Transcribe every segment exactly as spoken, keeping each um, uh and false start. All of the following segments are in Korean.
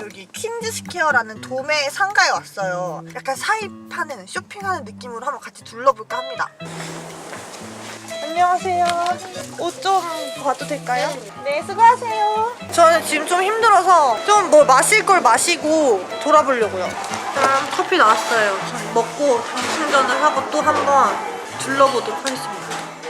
여기 퀸즈스퀘어라는 도매 상가에 왔어요. 약간 사입하는, 쇼핑하는 느낌으로 한번 같이 둘러볼까 합니다. 안녕하세요. 옷 좀 봐도 될까요? 네, 수고하세요. 저는 지금 좀 힘들어서 좀 뭐 마실 걸 마시고 돌아보려고요. 짠, 커피 나왔어요. 먹고 당 충전을 하고 또 한번 둘러보도록 하겠습니다.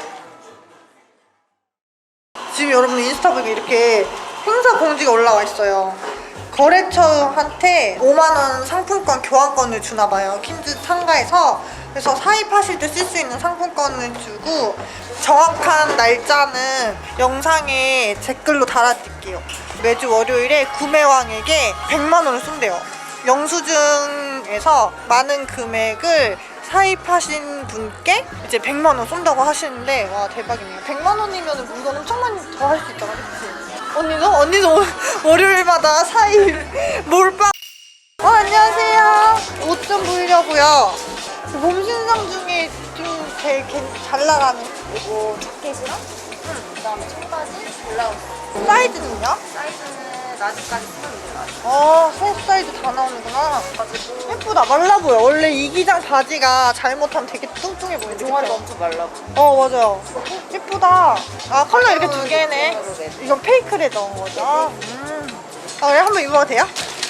지금 여러분 인스타 보기 이렇게 행사 공지가 올라와 있어요. 거래처한테 오만 원 상품권 교환권을 주나봐요. 퀸즈 상가에서. 그래서 사입하실 때 쓸 수 있는 상품권을 주고 정확한 날짜는 영상에 댓글로 달아드릴게요. 매주 월요일에 구매왕에게 백만 원을 쏜대요. 영수증에서 많은 금액을 사입하신 분께 이제 백만 원 쏜다고 하시는데, 와 대박이네요. 백만 원이면 물건 엄청 많이 더 할 수 있잖아, 그치? 언니도? 언니도 월요일마다 사입 몰빵. 어, 안녕하세요. 옷 좀 보려고요. 몸 신상 중에 좀 되게 잘 나가는 이거 자켓이랑 응. 그다음에 청바지, 블라우스. 사이즈는요? 사이즈는 라지까지 쓰면 돼요. 라지. 어, 새 사이즈 다 나오는구나. 가지고 예쁘다. 말라 보여. 원래 이 기장 바지가 잘못하면 되게 뚱뚱해 보이는데. 종아리가 엄청 말라. 어, 맞아요. 예쁘다. 아, 컬러 이렇게 두 개네. 이건 페이크를 넣은 거죠? 음. 아, 그래? 한번 입어도 돼요?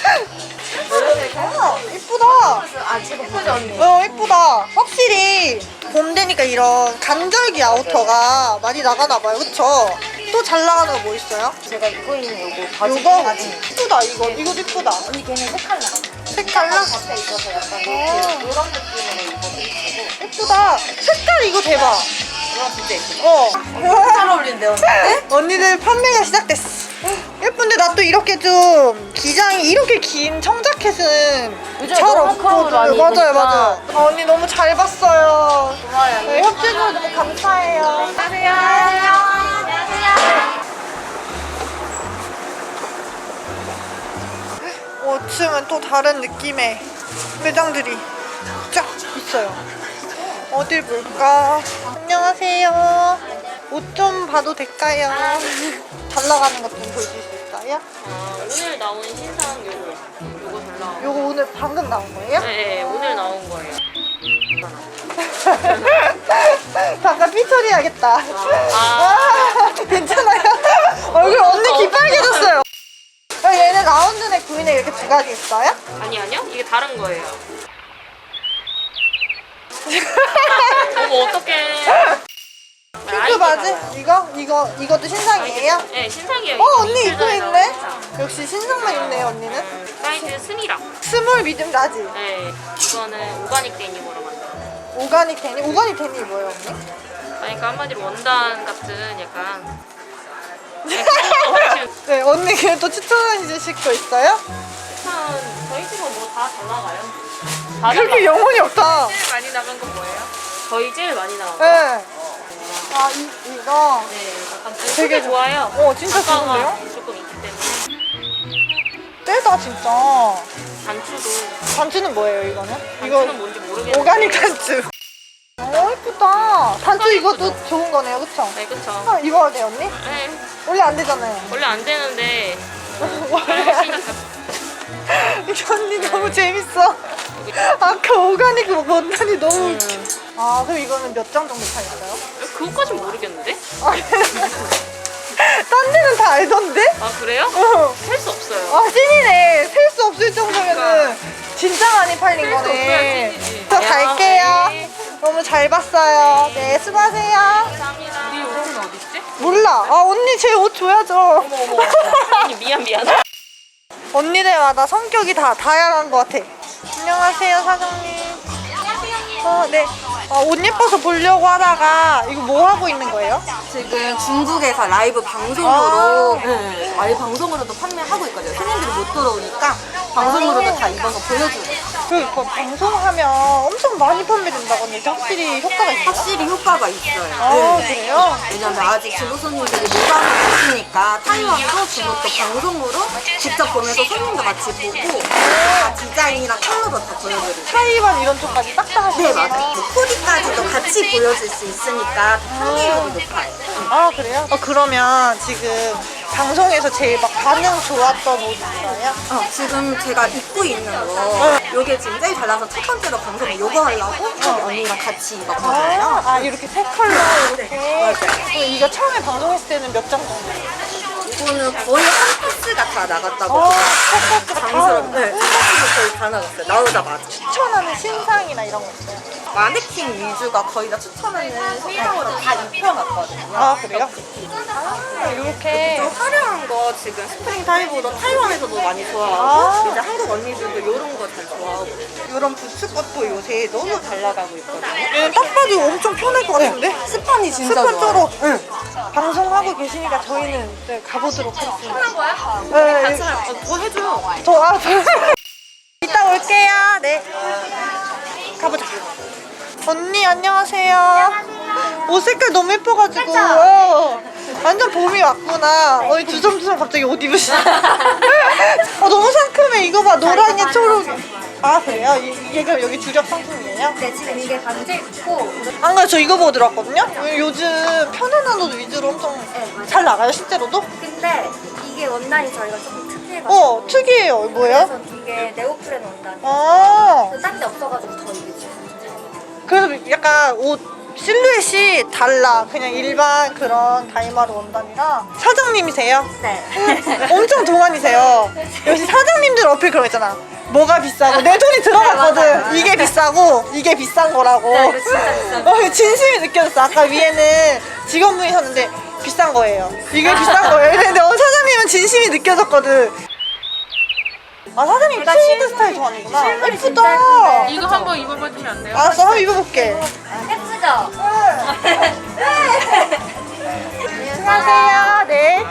어, 예쁘다. 아, 지금 예쁘죠, 언니? 어, 예쁘다. 확실히 봄 되니까 이런 간절기 아우터가 많이 나가나봐요. 그쵸? 또 잘 나가는 거 뭐 있어요? 제가 입고 있는 요거 바지. 이거? 바지. 예쁘다. 이거. 이것도 예쁘다. 언니 걔는 색깔나. 색깔나? 잡혀 있어서 약간 어. 이렇게 이런 느낌으로 입어도 예쁘고. 예쁘다. 색깔 이거 대박. 이거 진짜 예쁘죠? 어. 잘 어울린대, 언니. 언니들 판매가 시작됐어. 예쁜데 나 또 이렇게 좀 기장이 이렇게 긴 청자켓은 요즘에 잘 너무 없거든. 크롭을 많이 맞아요, 입으니까. 맞아요. 아, 언니 너무 잘 봤어요. 고마워요. 네, 협조해줘서 너무 감사해요. 안녕하세요. 안녕하세요. 오 층은 또 다른 느낌의 매장들이 쫙 있어요. 어딜 볼까? 안녕하세요. 옷 좀 봐도 될까요? 잘 나가는 것 좀 보여줄 수 있어요? 아, 오늘 나온 신상 요거 요거 잘 나온 요거 오늘 방금 나온 거예요? 네, 네 오늘 나온 거예요. 잠깐 삐 처리해야겠다. 아. 아, 괜찮아요? 얼굴 언니 기빨개졌어요. 아, 얘네 라운드넥 구인에 이렇게 두 가지 있어요? 아니 아니요 이게 다른 거예요. 어머 어떡해. 핑크 바지? 이거? 이거, 이것도 신상이에요? 네 신상이에요. 어, 이거 언니 이틀 입고 전에 있네? 나온 신상. 역시 신상만 입네요, 언니는. 사이즈 스미랑. 스몰, 미디움, 라지. 네 이거는 오가닉 데님으로 만든. 오가닉 데니? 오가닉 데니 뭐예요, 언니? 그러니까 한마디로 원단 같은 약간. 네, 그런 거 혹시 네, 언니 그또 추천해주실 거 있어요? 추천 저희 집은 뭐 다 잘 나가요. 다 그렇게 잘 영혼이 없다. 나가요. 제일 많이 나간 건 뭐예요? 저희 제일 많이 나온 거. 네. 아, 이, 이거. 네, 약간 되게 되게 좋아요. 어, 진짜 단가가 좋은데요? 조금 있기 때문에 떼다, 진짜. 단추도 단추는 뭐예요, 이거는? 단추는 뭔지 모르겠는데 오가닉 단추. 어, 예쁘다. 단추 이것도 예쁘죠? 좋은 거네요, 그쵸? 네, 그쵸. 아, 입어도 돼요, 언니? 네, 원래 안 되잖아요. 원래 안 되는데 원래 안 돼. 이 언니 너무 재밌어. 아까 오가닉 원단이 너무 음, 웃겨. 아, 그럼 이거는 몇 장 정도 팔렸어요? 그것까진 모르겠는데? 아, 딴 데는 다 알던데? 아 그래요? 어. 셀 수 없어요. 아, 찐이네. 셀 수 없을 정도면은 진짜 많이 팔린 셀수 거네. 없어야 찐이지. 저 갈게요. 네. 너무 잘 봤어요. 네, 수고하세요. 감사합니다. 네 옷은 어디 있지? 몰라. 아, 언니 제 옷 줘야죠. 어머 어머. 언니 미안 미안. 언니들마다 성격이 다 다양한 것 같아. 안녕하세요, 사장님. 어, 네. 어, 옷 예뻐서 보려고 하다가 이거 뭐 하고 있는 거예요? 지금 중국에서 라이브 방송으로 아. 네, 라이브 방송으로도 판매하고 있거든요. 손님들이 못 들어오니까 방송으로도 다 입어서 보여주고 그 이거 방송하면 엄청 많이 판매된다고 하는데 확실히 효과가 있어요? 확실히 효과가 있어요. 아, 네. 그래요? 왜냐면 아직 중국 손님들이 못 와보시니까 타이완도 중국도 방송으로 직접 보면서 손님도 같이 보고 다 디자인이랑 컬러도 다 보여드리고 타이완 이런 쪽까지 싹 다 하시는 네 맞아요. 코디까지도 같이 보여줄 수 있으니까 다 판매력이 높아요. 아, 그래요? 어, 그러면 지금 방송에서 제일 막 반응 좋았던 옷 있어요? 어, 지금 제가 입고 있는 거 요게 지금 제일 잘 나서 첫 번째로 방송에 요거 하려고 저기 언니랑 같이 입었거든요. 아, 아 이렇게 세 컬러 이렇게. 맞아요. 그럼 이거 처음에 방송했을 때는 몇 장 정도? 이거는 거의 한 패스가 다 나갔다고. 아, 그냥 다 당스럽게. 네, 한 패스가 거의 다 나갔어요. 나오자마자. 추천하는 신상이나 이런 거 있어요? 마네킹 위주가 거의 다 추천하는 신상으로 다 입혀놨거든요. 아 그래요? 아 이렇게. 좀 화려한 거 지금 스프링 타이보다 타이완에서도 많이 좋아하고 아. 이제 한국 언니들도 이런 거 잘 좋아하고 이런 부츠 것도 요새 너무 잘 나가고 있거든요. 얘는 딱 봐도 엄청 편할 것 같은데? 스판이 진짜 스펀저로 좋아요. 응. 방송하고 계시니까 저희는 이제 가보도록 하겠습니다. 하는 거야? 네, 같이 할 거. 뭐 해줘. 저, 아, 저. 이따 올게요. 네. 가보자. 언니, 안녕하세요. 옷 색깔 너무 예뻐가지고. 어, 완전 봄이 왔구나. 어이, 두섬두섬 갑자기 옷 입으시네. 어, 너무 상큼해. 이거 봐. 노랑에 초록이. 아, 그래요? 이- 이게 그럼 여기 주력 상품이에요? 네, 지금 이게 반지 있고 안 그래, 저 이거 보고 들어왔거든요? 요즘 편안한 옷 위주로 엄청 맞아요. 잘 나가요, 실제로도? 근데 이게 원단이 저희가 조금 특이해가지고 어, 특이해요. 뭐예요? 그래서 이게 네오프렌 원단이 아, 딴 데 없어가지고 더 이게 지금 그래서 약간 옷 실루엣이 달라. 그냥 일반 그런 다이마루 원단이랑. 사장님이세요? 네. 엄청 동안이세요. 역시 사장님들 어필 그런 거 있잖아. 뭐가 비싸고 내 돈이 들어갔거든. 네, 맞아요. 이게 비싸고 이게 비싼 거라고. 네, 이거 진짜 비싼 어, 진심이 느껴졌어. 아까 위에는 직원분이셨는데 비싼 거예요. 이게 비싼 거예요. 근데 어, 사장님은 진심이 느껴졌거든. 아 사장님 제가 트위드 실물이- 스타일 좋아하는구나. 실물이 진짜 예쁘다. 예쁜데. 이거 한번 입어봐주면 안 돼요? 알았어, 한번 입어볼게. 예쁘죠? 안녕하세요. 네.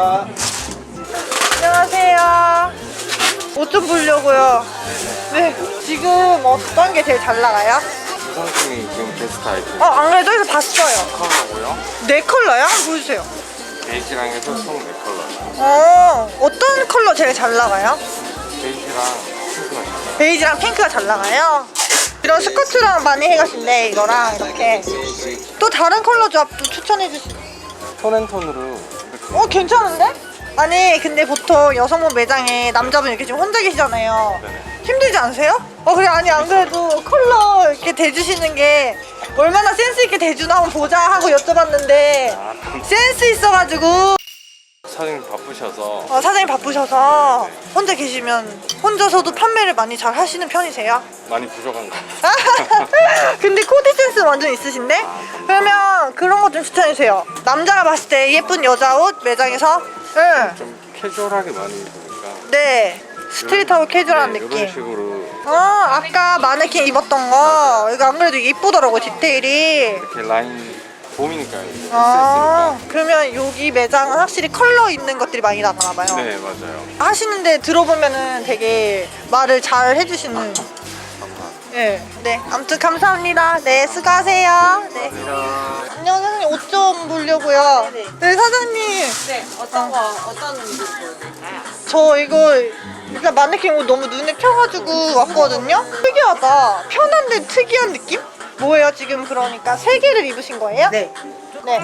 안녕하세요. 옷 좀 보려고요. 네. 지금 어떤 게 제일 잘 나가요? 이 상품이 지금 베스트 아이템 어, 안 그래도 여기서 봤어요. 컬러고요. 네 컬러요? 한번 보여주세요. 베이지랑 해서 총 네 컬러예요. 어, 어떤 컬러 제일 잘 나가요? 베이지랑 핑크가 잘 나와요. 베이지랑 핑크가 잘 나가요? 이런 스커트랑 많이 해가신데 이거랑 이렇게 또 다른 컬러 조합도 추천해 주시. 톤앤톤으로 이렇게 어 괜찮은데? 아니 근데 보통 여성분 매장에 남자분 이렇게 지금 혼자 계시잖아요. 네네. 힘들지 않으세요? 어 그래 아니 안 그래도 컬러 이렇게 대주시는 게 얼마나 센스 있게 대주나 한번 보자 하고 여쭤봤는데 아, 센스 있어가지고. 사장님 바쁘셔서 어, 사장님 바쁘셔서 혼자 계시면 혼자서도 판매를 많이 잘 하시는 편이세요? 많이 부족한 것 같아요. 근데 코디 센스 완전 있으신데? 그러면 그런 거 좀 추천해주세요. 남자가 봤을 때 예쁜 여자 옷 매장에서 응. 좀 캐주얼하게 많이 입으니까 네 스트릿하고 캐주얼한 네, 느낌. 이런 식으로 어 아까 마네킹 입었던 거 이거 안 그래도 이쁘더라고 디테일이. 이렇게 라인 봄이니까요. 이제 아 있으니까. 그러면 여기 매장은 확실히 컬러 있는 것들이 많이 나가나 봐요. 네 맞아요. 하시는데 들어보면은 되게 말을 잘 해주시는. 감사합니다. 네, 네. 아무튼 감사합니다. 네, 수고하세요. 네. 감사합니다. 안녕 사장님 옷 좀 보려고요. 네네. 네 사장님. 네, 어떤 거, 어떤 옷 보여드릴까요? 저 이거 일단 마네킹 옷 너무 눈에 켜가지고 왔거든요. 특이하다. 편한데 특이한 느낌? 뭐예요 지금 그러니까 세 개를 입으신 거예요? 네. 네.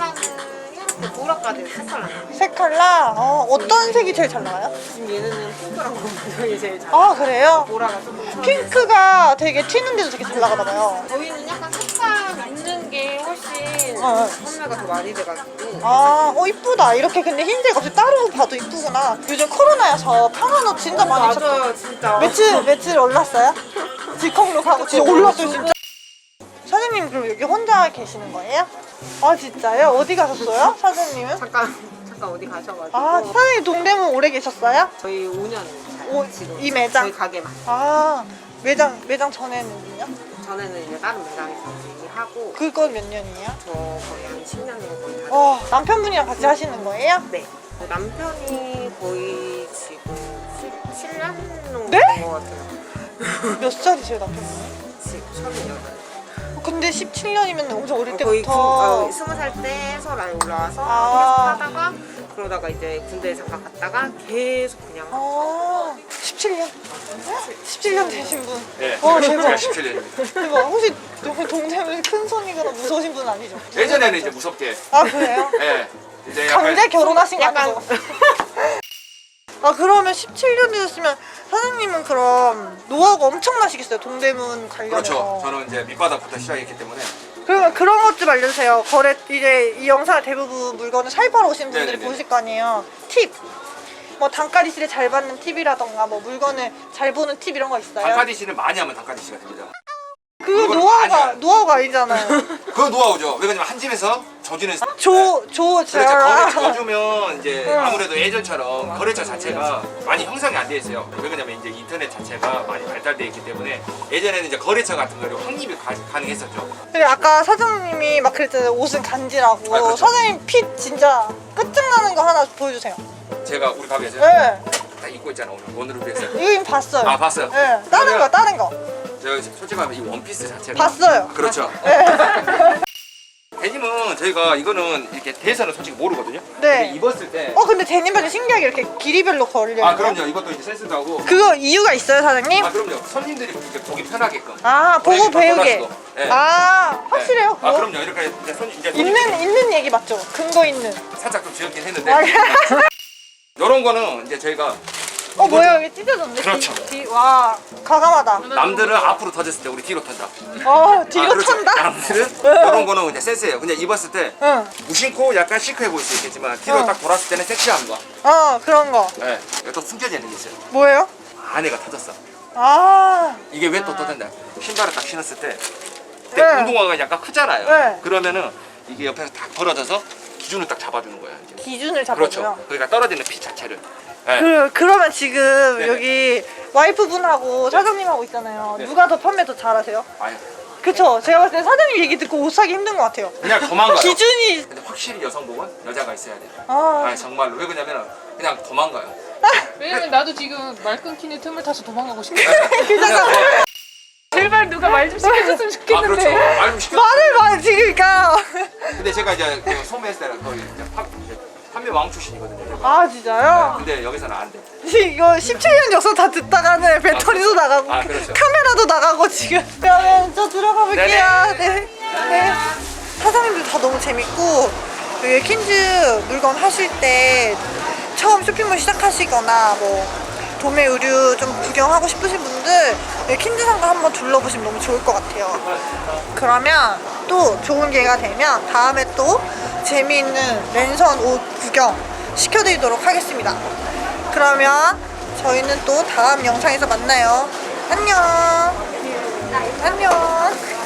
보라까지 색깔 세 컬러. 어, 어떤 색이 제일 잘 나와요? 지금 얘는 핑크랑 검정이 제일 잘 아 그래요? 보라가 조금 핑크가 되게 튀는데도 되게 잘 나가나 봐요. 저희는 약간 색감 있는 게 훨씬 어, 어. 판매가 더 많이 돼가지고 아, 어 이쁘다. 이렇게 근데 흰색 없이 따로 봐도 이쁘구나. 요즘 코로나여서 편한 옷 진짜 많이 찾죠. 맞아요 진짜 며칠 며칠 올랐어요? 직항로 가고 진짜 올랐어요 진짜. 사장님 그럼 여기 혼자 계시는 거예요? 아 진짜요? 어디 가셨어요? 사장님은? 잠깐 잠깐 어디 가셔가지고 아 사장님 동대문 오래 계셨어요? 저희 오 년 오, 지금 이 매장? 저희 가게만 아 매장 매장 전에는요? 전에는 이제 다른 매장에서 일하고 그건 몇 년이에요? 저 거의 한 십 년 정도 거의 하고 어 남편분이랑 같이 하시는 거예요? 네 남편이 거의 지금 십칠 년 정도 네? 된 것 같아요 몇 살이세요 남편분이? 지금 서른여덟 근데 십칠 년이면 엄청 어릴 거의 때부터 군- 어, 스무 살 때 서울 올라와서 아. 계속 하다가 그러다가 이제 군대에 잠깐 갔다가 계속 그냥 아, 십칠 년? 십칠 년 되신 분. 네, 어, 대박. 십칠 년입니다. 대박. 혹시 동- 동생분 큰 손이거나 무서우신 분 아니죠? 예전에는 이제 무섭게, 아, 그래요? 예, 이제 약간 강제 결혼하신 거 아니고? 아 그러면 십칠 년 되셨으면 사장님은 그럼 노하우가 엄청나시겠어요 동대문 관련해서. 그렇죠. 저는 이제 밑바닥부터 시작했기 때문에 그러면 그런 것 좀 알려주세요. 거래 이제 이 영상을 대부분 물건을 사입하러 오신 분들이 네네네. 보실 거 아니에요. 팁. 뭐 단가리실에 잘 받는 팁이라던가 뭐 물건을 잘 보는 팁 이런 거 있어요? 단카디씨를 많이 하면 단카디씨가 됩니다. 그거 물건을 많이 노하우가 해야 돼. 노하우가 아니잖아요. 그거 노하우죠. 왜냐면 한 집에서 저주는 조조 그렇죠. 거래 잘. 저주면 이제 응. 아무래도 예전처럼 거래처 자체가 많이 형성이 안 돼 있어요. 왜 그러냐면 이제 인터넷 자체가 많이 발달돼 있기 때문에 예전에는 이제 거래처 같은 거를 확립이 가, 가능했었죠. 근데 아까 사장님이 막 그랬잖아요. 옷은 간지라고. 아, 그렇죠. 사장님 핏 진짜 끝장나는 거 하나 보여주세요. 제가 우리 가게에서 네. 딱 입고 있잖아 오늘 오늘을 위해서. 이거 이미 봤어요. 아 봤어요? 네. 다른 거 다른 거. 제가 솔직히 말하면 이 원피스 자체가 봤어요. 그렇죠. 네. 데님은 저희가 이거는 이렇게 대해서는 솔직히 모르거든요. 네. 근데 입었을 때. 어 근데 데님 바지 신기하게 이렇게 길이별로 걸려. 아 그럼요. 이것도 이제 센스도 하고. 그거 이유가 있어요 사장님? 아 그럼요. 손님들이 이렇게 보기 편하게끔. 아 보고 고객님 배우게. 떠날 수도. 네. 아 확실해요 네. 아 그거? 그럼요. 이렇게 이제 손 이제 손님들이 있는 있는 얘기 맞죠? 근거 있는. 살짝 좀 지었긴 했는데. 아, 이런 거는 이제 저희가 어 뭐야 여기 찢어졌네. 그렇죠. 뒤, 뒤, 와 과감하다. 남들은 앞으로 터졌을 때 우리 뒤로 턴다. 어 뒤로 아, 그렇죠. 턴다. 남들은 이런 거는 그냥 센스예요. 그냥 입었을 때 응. 무심코 약간 시크해 보일 수 있겠지만 뒤로 어. 딱 돌았을 때는 섹시한 거. 어 그런 거. 네. 이거 또 숨겨져 있는 게 있어요. 뭐예요? 안에가 터졌어. 아. 이게 왜 또 터졌냐? 신발을 딱 신었을 때 그때 네. 운동화가 약간 크잖아요. 네. 그러면은 이게 옆에서 딱 벌어져서 기준을 딱 잡아주는 거야. 이제. 기준을 그렇죠. 잡아줘요. 그러니까 떨어지는 피 자체를. 네. 그, 그러면 지금 네네. 여기 와이프분하고 사장님하고 있잖아요. 네. 누가 더 판매 더 잘하세요? 아유, 그쵸? 제가 봤을 때 사장님 얘기 듣고 옷 사기 힘든 것 같아요. 그냥 도망가요. 기준이. 근데 확실히 여성복은 여자가 있어야 돼. 아. 아니 정말로 왜 그러냐면 그냥 도망가요. 왜냐면 나도 지금 말 끊기는 틈을 타서 도망가고 싶어. 그잖아. 제발 누가 말 좀 시켜줬으면 아 그렇죠. 좋겠는데. 말 좀 시켜. 말을 말 지금 그러니까. 근데 제가 이제 그 소매했을 때는 거의 이제 파, 이제 판매 왕 출신이거든요. 제가. 아 진짜요? 근데 여기서는 안 돼. 이거 십칠 년 역사 다 듣다가는 배터리도 아, 나가고 아, 그렇죠. 카메라도 나가고 지금. 그러면 저 들어가 볼게요. 네. 네. 사장님들 다 너무 재밌고 여기 킨즈 물건 하실 때 처음 쇼핑몰 시작하시거나 뭐 도매 의류 좀 구경하고 싶으신 분들 여기 킨즈 상가 한번 둘러보시면 너무 좋을 것 같아요. 그러면 또 좋은 기회가 되면 다음에 또 재미있는 랜선 옷 구경 시켜드리도록 하겠습니다. 그러면 저희는 또 다음 영상에서 만나요. 안녕. 안녕.